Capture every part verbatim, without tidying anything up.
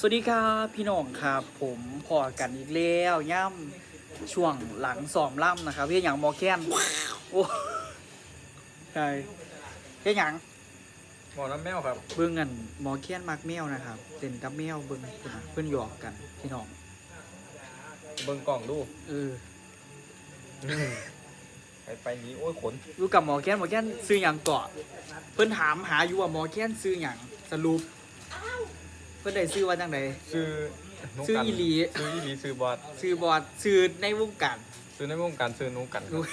สวัสดีครับพี่น้องครับผมพอกันอีกแล้วย่ำช่วงหลังซ้อมล่ำนะครับพี่อย่างหมอแค้นโอ้ใช่พี่อย่างหมอน้ำแมวครับเบิ้งกันหมอแค้นมักแมวนะครับเต้นกับแมวเบิ้งคุณนะเพื่อนหยอกกันพี่น้องเบิ่งกล่องดูเออไปไปนี้โอ้ยขนรู้กับหมอแค้นหมอแค้นซื้ออย่างเกาะเพื่อนถามหาอยู่ว่าหมอแค้นซื้ออย่างสรุปเพื่อนได้ซื้อว่าจังไดซื้อซื้ออีหลีซื้ออีหลีซื้อบอสซื้อบอดซื้อในวงการซื้อในวงการซื้อนูกันครับ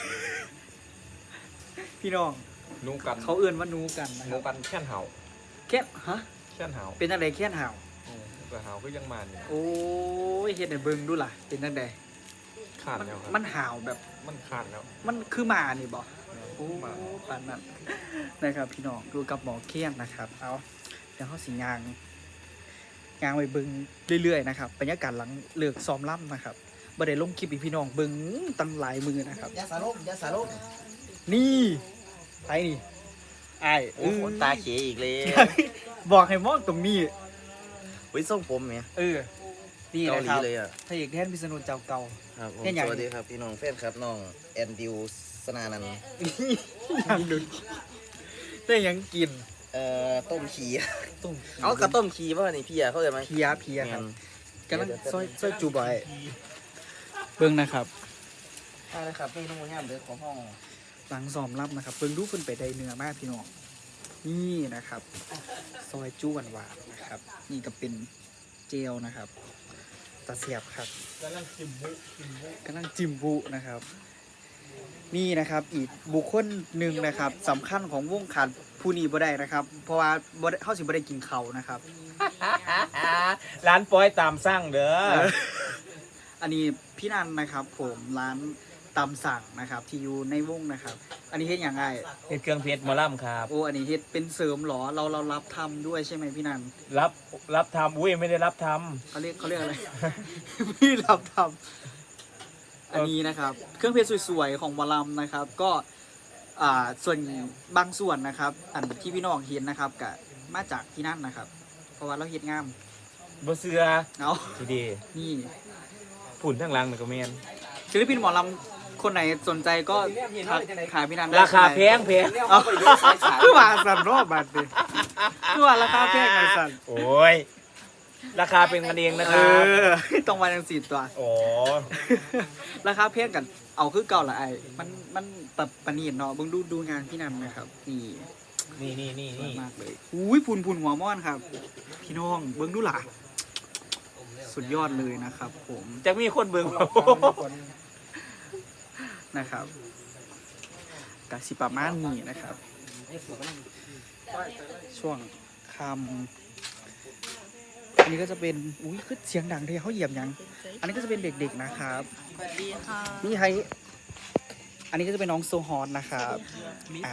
พี่น้องนูกันเขาเอื่นว่านูกันนะคนูรับกันแค่นเห่าแค่ฮะแค่นเห่าเป็นอะไรแค่นห่าวอืมแต่เห่าก็ยังมาเนี่ยโอ้ยเฮ็ดให้เบิ่งดูล่ะเป็นจังไดขาดมันแล้วครับมันห่าวแบบมันขาดแล้วมันคือหมานี่บ่โอ้หมาปานนั้นนะครับพี่น้องดูกับหมอเคียนนะครับ เอาเดี๋ยวเฮาสิยางยางไปเบิ่งเรื่อยๆนะครับบรรยากาศหลังเลิกซ้อมล่ำนะครับบ่ได้ลงคลิปให้พี่น้องเบิ่งตั้งหลายมือนะครับยาสาลมยาสาลมนี่ไปนี่อ้ายโอ้ขนตาเขยอีกเลยบอกให้มองตรงนี้วิส่งผมเนี่ยเออนี่เกานะหคลีรับเลยอ่ะพระเอกแทนพิษณุเจ้าเก่าครับผมเห็นอย่างสวัสดีครับพี่น้องแฟนครับน้องแอนดิวสนานันท์ยังดึงได้ยังกินเอ่อต้มขี้ต้มเอากระต้มขี้ป่ะนี่พี่อะเข้าใจไหมเพียเพียครับแม่นกำลังซอยซอยจูบอยเบิ้งนะครับได้เลยครับพี่น้องงามเดือของห้องหลังซ้อมรับนะครับเบิ้งดูเพิ่นไปได้เนื้อมากพี่น้องนี่นะครับ ซอยจู้หวานๆนะครับ นี่ก็เป็นเจลนะครับตะเสียบครับกำลังจิมบุจิมบุกำลังจิมบุนะครับ นี่นะครับอีกบุคคลหนึ่งนะครับสำคัญของวงการผู้นี้บ่ได้นะครับ เพราะว่าบ่ได้เขาสิบ่ได้กินเขาวนะครับร้านปอยตามสร้างเด้ออันนี้พี่นันนะครับ ผมร้านตามสั่งนะครับ ที่อยู่ในวงนะครับ อันนี้เฮ็ดอย่างไรเป็นเครื่องเพชรมอลัมครับโอ้อันนี้เฮ็ดเป็นเสริมเหรอเราเรารับทำด้วยใช่ไหมพี่นันรับรับทำอุ้ยไม่ได้รับทเขาเรียกเขาเรียกอะไร พี่รับทำอันนี้นะครับ เครื่องเพชรสวยๆของวอลลัมนะครับ ก็อ่าส่วนบางส่วนนะครับ อันที่พี่น้องเห็นนะครับกับมาจากที่นั่นนะครับ เพราะว่าเราเฮ็ดงามำบ่เสือเนาะทีเดีนี่ผุ่นทั้งหลังหนึ่งก็เมนศิลปินหมอลำคนไหนสนใจก็ทักขายพี่นันได้ราคาใช่ไหมแพงแพงเอาคือว่าสั่นรอบบัดดิคือว่าราคาแพงไงสั่นโอ้ย ราคาเป็นกันเองนะคเอรับอต้องมาจังสี่ตัวโอ้ราคาแพงกันเอาคือเก่าละไอ้มันมันตัดปานนีเนาะเบิ่งดูดูงานพี่นันนะครับนี่นี่นี่นี่สวยนี่มากเลยอุ้ยพุนพุนหัวม่อนครับ พี่น้องเบิ่งดูล่ะสุดยอดเลยนะครับ ผมจะมีคนเบิ่งนะครับกสิประมาณนี้นะครับ ช่วงคำอันนี้ก็จะเป็นอุ้ยคือเสียงดังที่เขาเหยียบยัง อันนี้ก็จะเป็นเด็กๆนะครับสวัสดีค่ะนี่ให้อันนี้ก็จะเป็นน้องโซฮอนนะครับอ่า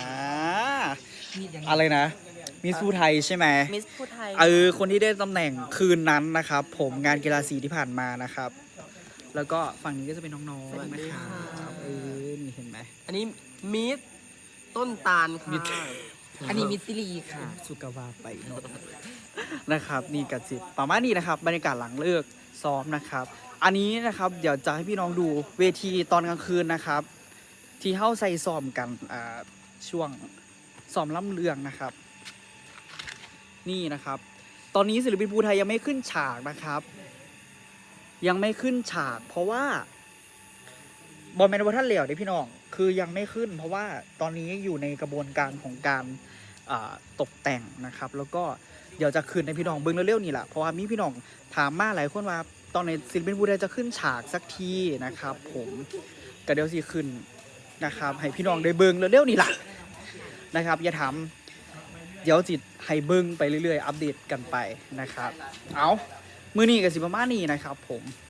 อะไรนะมิสพูไทยใช่ไหมมิสพูไทยเออคนที่ได้ตำแหน่งคืนนั้นนะครับ ผมงานกีฬาสีที่ผ่านมานะครับ แล้วก็ฝั่งนี้ก็จะเป็นน้องๆนะครับเออนี่เห็นไหมอันนี้มิสต้นตาลมิค่ะสอันนี้มิสซิลีค่ะสุกาวาไปโนดนะครับ นี่กัดสิประมาณนี้นะครับ บรรยากาศหลังเลิกซ้อมนะครับ อันนี้นะครับ เดี๋ยวจะให้พี่น้องดูเวทีตอนกลางคืนนะครับ ที่เข้าใส่ซ้อมกันอ่าช่วงซ้อมล่ำเรืองนะครับ นี่นะครับ ตอนนี้ศิลปินภูไทยยังไม่ขึ้นฉากนะครับ ยังไม่ขึ้นฉาก เพราะว่าบอลแมนวัฒนเหลียวเด้พี่น้องคือยังไม่ขึ้น เพราะว่าตอนนี้อยู่ในกระบวนการของการอ่าตกแต่งนะครับ แล้วก็เดี๋ยวจะขึ้นในพี่น้องเบิ้งเร็วๆนี่แหละเพราะว่ามีพี่น้องถามมาหลายคนว่า ตอนในศิลปินภูไทยจะขึ้นฉากสักทีนะครับ ผมก็เดี๋ยวสิขึ้นนะครับ ให้พี่น้องได้เบิ้งเร็วๆนี่แหละนะครับ อย่าถามเดี๋ยวจิตให้เบิ้งไปเรื่อยๆ อัปเดตกันไปนะครับ เอามือนี้กับสิประมาณนี้นะครับ ผม